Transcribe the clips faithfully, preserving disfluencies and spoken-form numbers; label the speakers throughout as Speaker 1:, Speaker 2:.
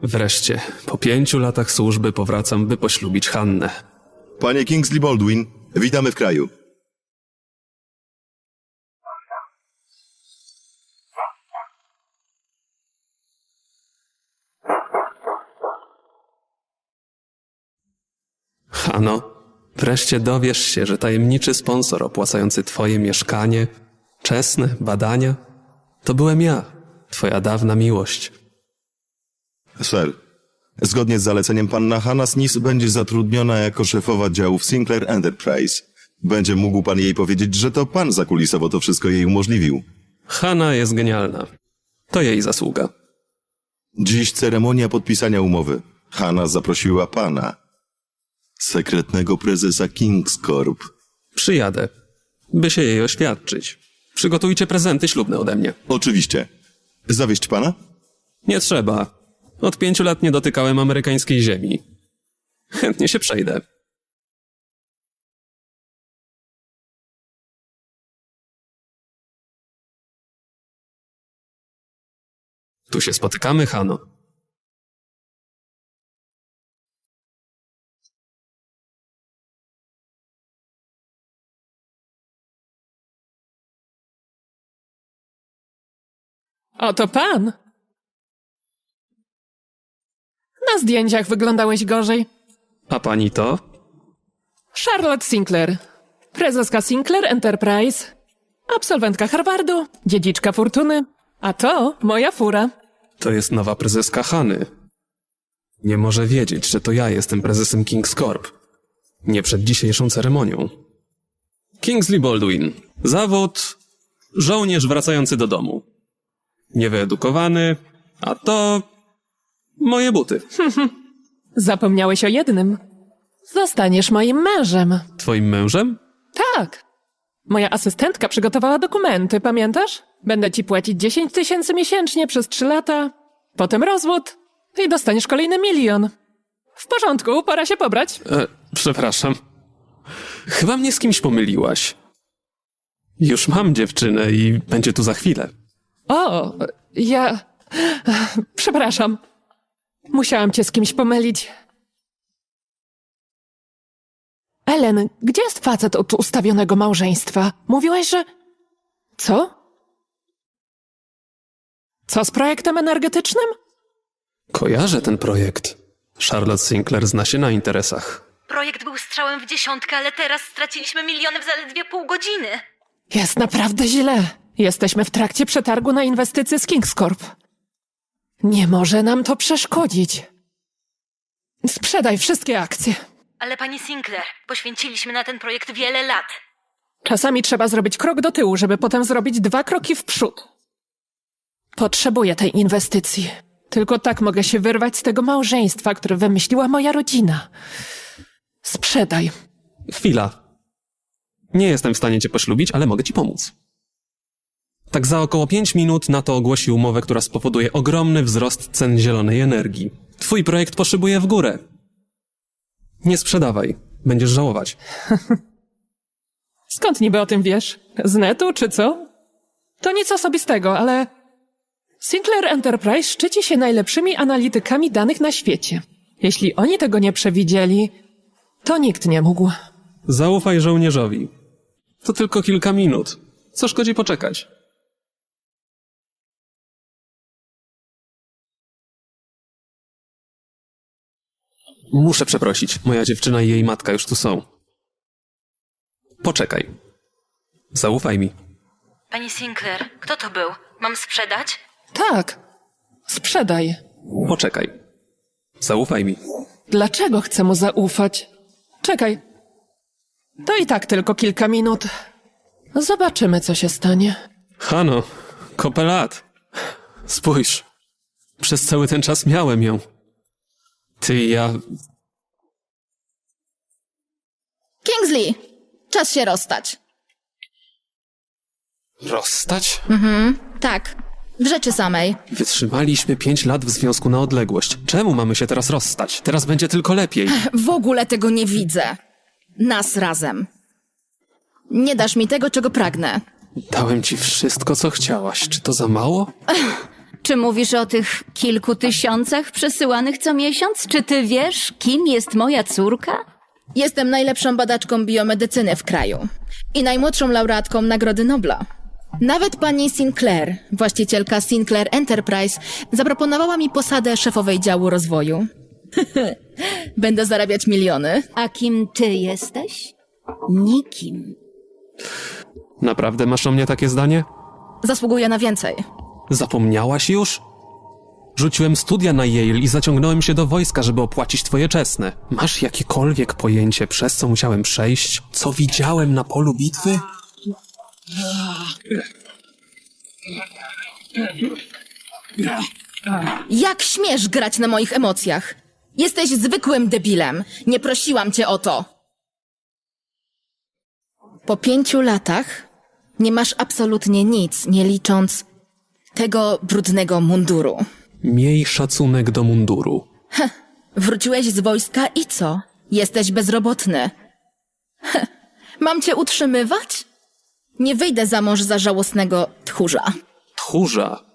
Speaker 1: Wreszcie, po pięciu latach służby powracam, by poślubić Hannę.
Speaker 2: Panie Kingsley Baldwin, witamy w kraju.
Speaker 1: Hanno, wreszcie dowiesz się, że tajemniczy sponsor opłacający twoje mieszkanie, czesne badania, to byłem ja, twoja dawna miłość.
Speaker 2: Sir, zgodnie z zaleceniem panna Hanna Smith będzie zatrudniona jako szefowa działu w Sinclair Enterprise. Będzie mógł pan jej powiedzieć, że to pan zakulisowo to wszystko jej umożliwił.
Speaker 1: Hanna jest genialna. To jej zasługa.
Speaker 2: Dziś ceremonia podpisania umowy. Hanna zaprosiła pana, sekretnego prezesa Kings Corp.
Speaker 1: Przyjadę, by się jej oświadczyć. Przygotujcie prezenty ślubne ode mnie.
Speaker 2: Oczywiście. Zawieźć pana?
Speaker 1: Nie trzeba. Od pięciu lat nie dotykałem amerykańskiej ziemi. Chętnie się przejdę. Tu się spotykamy, Hanno.
Speaker 3: Oto pan. Na zdjęciach wyglądałeś gorzej.
Speaker 1: A pani to?
Speaker 3: Charlotte Sinclair, prezeska Sinclair Enterprise, absolwentka Harvardu, dziedziczka fortuny, a to moja fura.
Speaker 1: To jest nowa prezeska Hany. Nie może wiedzieć, że to ja jestem prezesem Kings Corp. Nie przed dzisiejszą ceremonią. Kingsley Baldwin. Zawód żołnierz wracający do domu. Niewyedukowany, a to moje buty.
Speaker 3: Zapomniałeś o jednym. Zostaniesz moim mężem.
Speaker 1: Twoim mężem?
Speaker 3: Tak. Moja asystentka przygotowała dokumenty, pamiętasz? Będę ci płacić dziesięć tysięcy miesięcznie przez trzy lata. Potem rozwód i dostaniesz kolejny milion. W porządku, pora się pobrać.
Speaker 1: E, przepraszam. Chyba mnie z kimś pomyliłaś. Już mam dziewczynę i będzie tu za chwilę.
Speaker 3: O, ja... Przepraszam. Musiałam cię z kimś pomylić. Ellen, gdzie jest facet od ustawionego małżeństwa? Mówiłaś, że... Co? Co z projektem energetycznym?
Speaker 1: Kojarzę ten projekt. Charlotte Sinclair zna się na interesach.
Speaker 4: Projekt był strzałem w dziesiątkę, ale teraz straciliśmy miliony w zaledwie pół godziny.
Speaker 3: Jest naprawdę źle. Jesteśmy w trakcie przetargu na inwestycje z Kings Corp. Nie może nam to przeszkodzić. Sprzedaj wszystkie akcje.
Speaker 4: Ale pani Sinclair, poświęciliśmy na ten projekt wiele lat.
Speaker 3: Czasami trzeba zrobić krok do tyłu, żeby potem zrobić dwa kroki w przód. Potrzebuję tej inwestycji. Tylko tak mogę się wyrwać z tego małżeństwa, które wymyśliła moja rodzina. Sprzedaj.
Speaker 1: Chwila. Nie jestem w stanie cię poślubić, ale mogę ci pomóc. Tak za około pięć minut NATO ogłosi umowę, która spowoduje ogromny wzrost cen zielonej energii. Twój projekt poszybuje w górę. Nie sprzedawaj. Będziesz żałować.
Speaker 3: Skąd niby o tym wiesz? Z netu, czy co? To nic osobistego, ale... Sinclair Enterprise szczyci się najlepszymi analitykami danych na świecie. Jeśli oni tego nie przewidzieli, to nikt nie mógł.
Speaker 1: Zaufaj żołnierzowi. To tylko kilka minut. Co szkodzi poczekać? Muszę przeprosić. Moja dziewczyna i jej matka już tu są. Poczekaj. Zaufaj mi.
Speaker 4: Pani Sinclair, kto to był? Mam sprzedać?
Speaker 3: Tak. Sprzedaj.
Speaker 1: Poczekaj. Zaufaj mi.
Speaker 3: Dlaczego chcę mu zaufać? Czekaj. To i tak tylko kilka minut. Zobaczymy, co się stanie.
Speaker 1: Hanno, kopę lat. Spójrz. Przez cały ten czas miałem ją. Ty i ja...
Speaker 5: Kingsley, czas się rozstać.
Speaker 1: Rozstać?
Speaker 5: Tak, w rzeczy samej.
Speaker 1: Wytrzymaliśmy pięć lat w związku na odległość. Czemu mamy się teraz rozstać? Teraz będzie tylko lepiej.
Speaker 5: W ogóle tego nie widzę. Nas razem. Nie dasz mi tego, czego pragnę.
Speaker 1: Dałem ci wszystko, co chciałaś. Czy to za mało?
Speaker 6: Czy mówisz o tych kilku tysiącach przesyłanych co miesiąc? Czy ty wiesz, kim jest moja córka?
Speaker 5: Jestem najlepszą badaczką biomedycyny w kraju i najmłodszą laureatką Nagrody Nobla. Nawet pani Sinclair, właścicielka Sinclair Enterprise, zaproponowała mi posadę szefowej działu rozwoju. Będę zarabiać miliony.
Speaker 6: A kim ty jesteś? Nikim.
Speaker 1: Naprawdę masz o mnie takie zdanie?
Speaker 5: Zasługuję na więcej.
Speaker 1: Zapomniałaś już? Rzuciłem studia na Yale i zaciągnąłem się do wojska, żeby opłacić twoje czesne. Masz jakiekolwiek pojęcie, przez co musiałem przejść? Co widziałem na polu bitwy?
Speaker 5: Jak śmiesz grać na moich emocjach? Jesteś zwykłym debilem. Nie prosiłam cię o to. Po pięciu latach nie masz absolutnie nic, nie licząc tego brudnego munduru.
Speaker 1: Miej szacunek do munduru.
Speaker 5: Wróciłeś z wojska i co? Jesteś bezrobotny. Heh, mam cię utrzymywać? Nie wyjdę za mąż za żałosnego tchórza.
Speaker 1: Tchórza.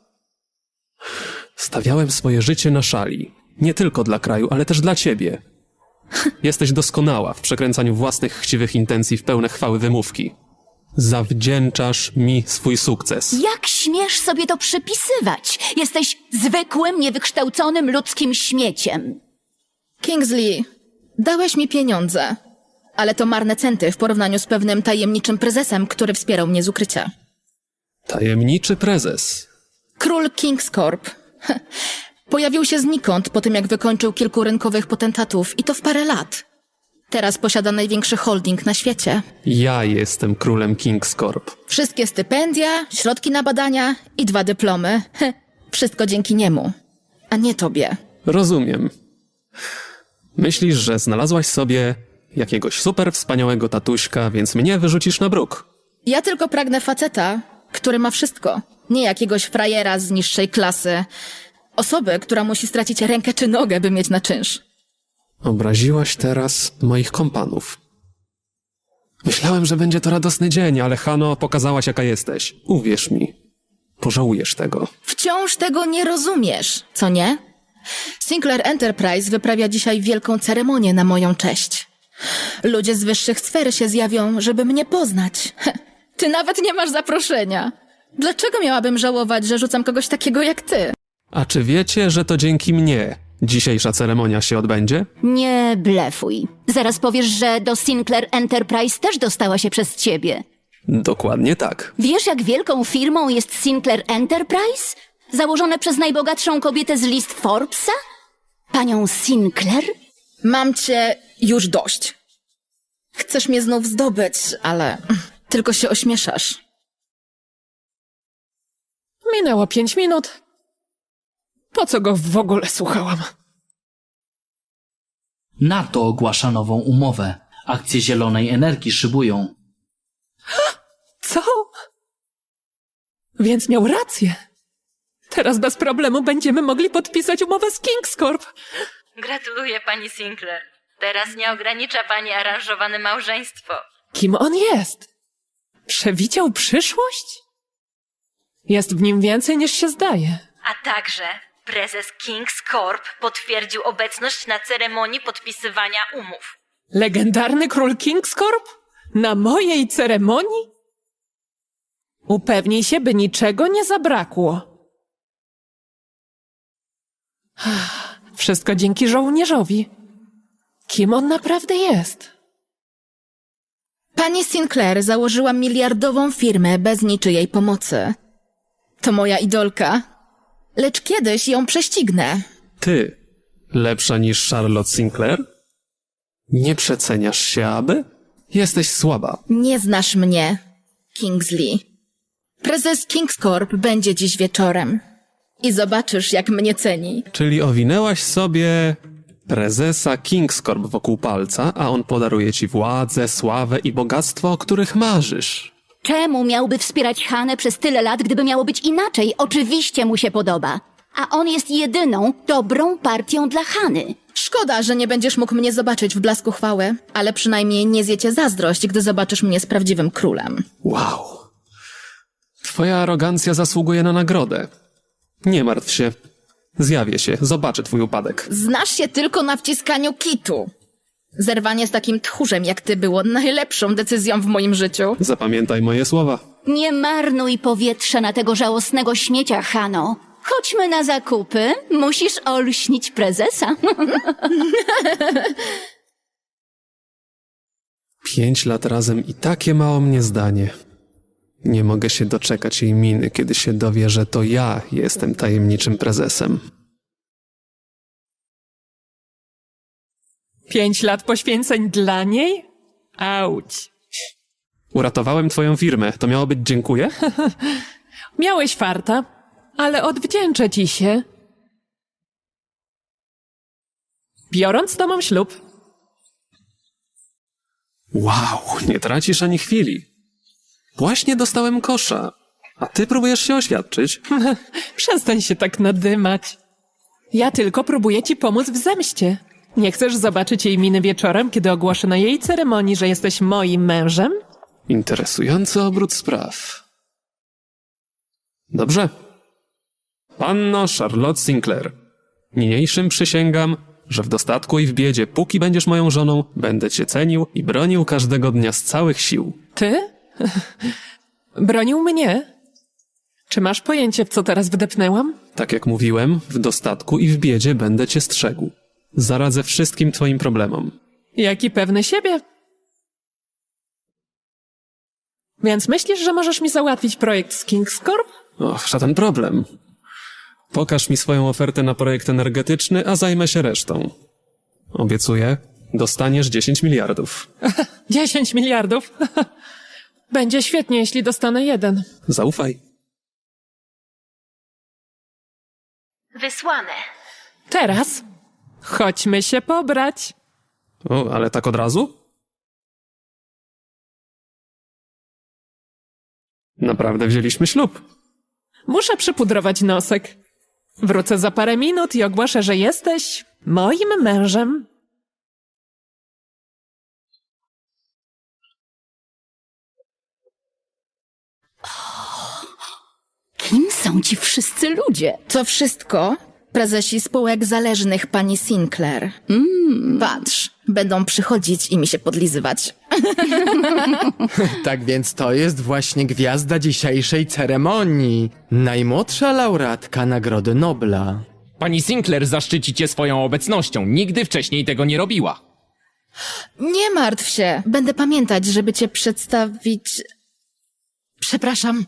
Speaker 1: Stawiałem swoje życie na szali. Nie tylko dla kraju, ale też dla ciebie. Jesteś doskonała w przekręcaniu własnych chciwych intencji w pełne chwały wymówki. Zawdzięczasz mi swój sukces.
Speaker 6: Jak śmiesz sobie to przypisywać? Jesteś zwykłym, niewykształconym ludzkim śmieciem.
Speaker 5: Kingsley, dałeś mi pieniądze, ale to marne centy w porównaniu z pewnym tajemniczym prezesem, który wspierał mnie z ukrycia.
Speaker 1: Tajemniczy prezes.
Speaker 5: Król Kings Corp. Heh, pojawił się znikąd po tym, jak wykończył kilku rynkowych potentatów i to w parę lat. Teraz posiada największy holding na świecie.
Speaker 1: Ja jestem królem Kings Corp.
Speaker 5: Wszystkie stypendia, środki na badania i dwa dyplomy. Heh, wszystko dzięki niemu, a nie tobie.
Speaker 1: Rozumiem. Myślisz, że znalazłaś sobie jakiegoś super wspaniałego tatuśka, więc mnie wyrzucisz na bruk.
Speaker 5: Ja tylko pragnę faceta, który ma wszystko. Nie jakiegoś frajera z niższej klasy. Osoby, która musi stracić rękę czy nogę, by mieć na czynsz.
Speaker 1: Obraziłaś teraz moich kompanów. Myślałem, że będzie to radosny dzień, ale Hano, pokazałaś jaka jesteś. Uwierz mi. Pożałujesz tego.
Speaker 5: Wciąż tego nie rozumiesz, co nie? Sinclair Enterprise wyprawia dzisiaj wielką ceremonię na moją cześć. Ludzie z wyższych sfer się zjawią, żeby mnie poznać. Heh, ty nawet nie masz zaproszenia. Dlaczego miałabym żałować, że rzucam kogoś takiego jak ty?
Speaker 1: A czy wiecie, że to dzięki mnie dzisiejsza ceremonia się odbędzie?
Speaker 6: Nie blefuj. Zaraz powiesz, że do Sinclair Enterprise też dostała się przez ciebie.
Speaker 1: Dokładnie tak.
Speaker 6: Wiesz, jak wielką firmą jest Sinclair Enterprise? Założone przez najbogatszą kobietę z list Forbesa? Panią Sinclair?
Speaker 5: Mam cię już dość. Chcesz mnie znów zdobyć, ale tylko się ośmieszasz.
Speaker 3: Minęło pięć minut. Po co go w ogóle słuchałam?
Speaker 7: NATO ogłasza nową umowę. Akcje zielonej energii szybują.
Speaker 3: Co? Więc miał rację. Teraz bez problemu będziemy mogli podpisać umowę z Kings Corp.
Speaker 4: Gratuluję, pani Sinclair. Teraz nie ogranicza pani aranżowane małżeństwo.
Speaker 3: Kim on jest? Przewidział przyszłość? Jest w nim więcej niż się zdaje.
Speaker 4: A także prezes Kings Corp potwierdził obecność na ceremonii podpisywania umów.
Speaker 3: Legendarny król Kings Corp? Na mojej ceremonii? Upewnij się, by niczego nie zabrakło. Wszystko dzięki żołnierzowi. Kim on naprawdę jest?
Speaker 5: Pani Sinclair założyła miliardową firmę bez niczyjej pomocy. To moja idolka. Lecz kiedyś ją prześcignę.
Speaker 1: Ty, lepsza niż Charlotte Sinclair? Nie przeceniasz się, aby? Jesteś słaba.
Speaker 5: Nie znasz mnie, Kingsley. Prezes Kings Corp będzie dziś wieczorem. I zobaczysz, jak mnie ceni.
Speaker 1: Czyli owinęłaś sobie prezesa Kings Corp wokół palca, a on podaruje ci władzę, sławę i bogactwo, o których marzysz.
Speaker 6: Czemu miałby wspierać Hanę przez tyle lat, gdyby miało być inaczej? Oczywiście mu się podoba. A on jest jedyną dobrą partią dla Hany.
Speaker 5: Szkoda, że nie będziesz mógł mnie zobaczyć w blasku chwały, ale przynajmniej nie zjecie zazdrość, gdy zobaczysz mnie z prawdziwym królem.
Speaker 1: Wow. Twoja arogancja zasługuje na nagrodę. Nie martw się. Zjawię się, zobaczę twój upadek.
Speaker 5: Znasz się tylko na wciskaniu kitu. Zerwanie z takim tchórzem jak ty było najlepszą decyzją w moim życiu.
Speaker 1: Zapamiętaj moje słowa.
Speaker 6: Nie marnuj powietrza na tego żałosnego śmiecia, Hano. Chodźmy na zakupy. Musisz olśnić prezesa.
Speaker 1: Pięć lat razem i takie mało mnie zdanie. Nie mogę się doczekać jej miny, kiedy się dowie, że to ja jestem tajemniczym prezesem.
Speaker 3: Pięć lat poświęceń dla niej? Auć.
Speaker 1: Uratowałem twoją firmę, to miało być dziękuję?
Speaker 3: Miałeś farta, ale odwdzięczę ci się. Biorąc z tobą ślub.
Speaker 1: Wow, nie tracisz ani chwili. Właśnie dostałem kosza, a ty próbujesz się oświadczyć?
Speaker 3: Przestań się tak nadymać. Ja tylko próbuję ci pomóc w zemście. Nie chcesz zobaczyć jej miny wieczorem, kiedy ogłoszę na jej ceremonii, że jesteś moim mężem?
Speaker 1: Interesujący obrót spraw. Dobrze. Panno Charlotte Sinclair, niniejszym przysięgam, że w dostatku i w biedzie, póki będziesz moją żoną, będę cię cenił i bronił każdego dnia z całych sił.
Speaker 3: Ty? Bronił mnie? Czy masz pojęcie, w co teraz wdepnęłam?
Speaker 1: Tak jak mówiłem, w dostatku i w biedzie będę cię strzegł. Zaradzę wszystkim twoim problemom.
Speaker 3: Jaki pewny siebie. Więc myślisz, że możesz mi załatwić projekt z King's Corp?
Speaker 1: Och, żaden problem. Pokaż mi swoją ofertę na projekt energetyczny, a zajmę się resztą. Obiecuję, dostaniesz dziesięć miliardów.
Speaker 3: Dziesięć miliardów? Będzie świetnie, jeśli dostanę jeden.
Speaker 1: Zaufaj.
Speaker 4: Wysłane.
Speaker 3: Teraz chodźmy się pobrać.
Speaker 1: O, ale tak od razu? Naprawdę wzięliśmy ślub.
Speaker 3: Muszę przypudrować nosek. Wrócę za parę minut i ogłoszę, że jesteś moim mężem.
Speaker 6: Kim są ci wszyscy ludzie?
Speaker 5: To wszystko prezesi spółek zależnych pani Sinclair. Mm. Patrz, będą przychodzić i mi się podlizywać.
Speaker 8: Tak więc to jest właśnie gwiazda dzisiejszej ceremonii. Najmłodsza laureatka Nagrody Nobla.
Speaker 9: Pani Sinclair zaszczyci cię swoją obecnością. Nigdy wcześniej tego nie robiła.
Speaker 5: Nie martw się, będę pamiętać, żeby cię przedstawić... Przepraszam.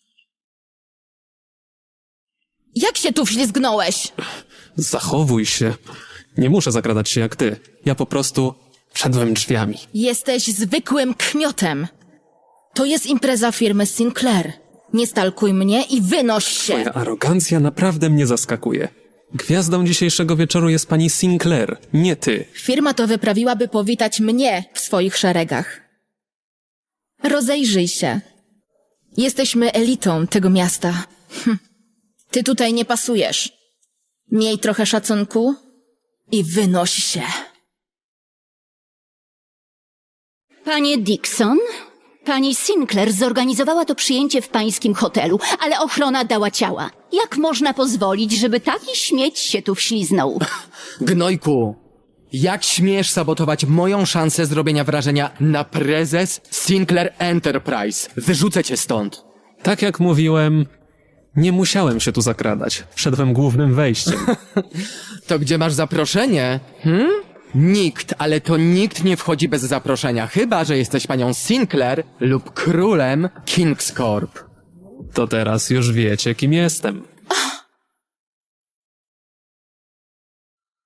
Speaker 5: Jak się tu wślizgnąłeś?
Speaker 1: Zachowuj się. Nie muszę zakradać się jak ty. Ja po prostu wszedłem drzwiami.
Speaker 5: Jesteś zwykłym kmiotem. To jest impreza firmy Sinclair. Nie stalkuj mnie i wynoś się.
Speaker 1: Twoja arogancja naprawdę mnie zaskakuje. Gwiazdą dzisiejszego wieczoru jest pani Sinclair, nie ty.
Speaker 5: Firma to wyprawiła, by powitać mnie w swoich szeregach. Rozejrzyj się. Jesteśmy elitą tego miasta. Hm. Ty tutaj nie pasujesz. Miej trochę szacunku i wynoś się.
Speaker 6: Panie Dixon, pani Sinclair zorganizowała to przyjęcie w pańskim hotelu, ale ochrona dała ciała. Jak można pozwolić, żeby taki śmieć się tu wśliznął?
Speaker 8: Gnojku, jak śmiesz sabotować moją szansę zrobienia wrażenia na prezes Sinclair Enterprise? Wyrzucę cię stąd.
Speaker 1: Tak jak mówiłem, nie musiałem się tu zakradać. Wszedłem głównym wejściem.
Speaker 8: To gdzie masz zaproszenie? Hmm? Nikt, ale to nikt nie wchodzi bez zaproszenia, chyba że jesteś panią Sinclair lub królem King's Corp.
Speaker 1: To teraz już wiecie, kim jestem.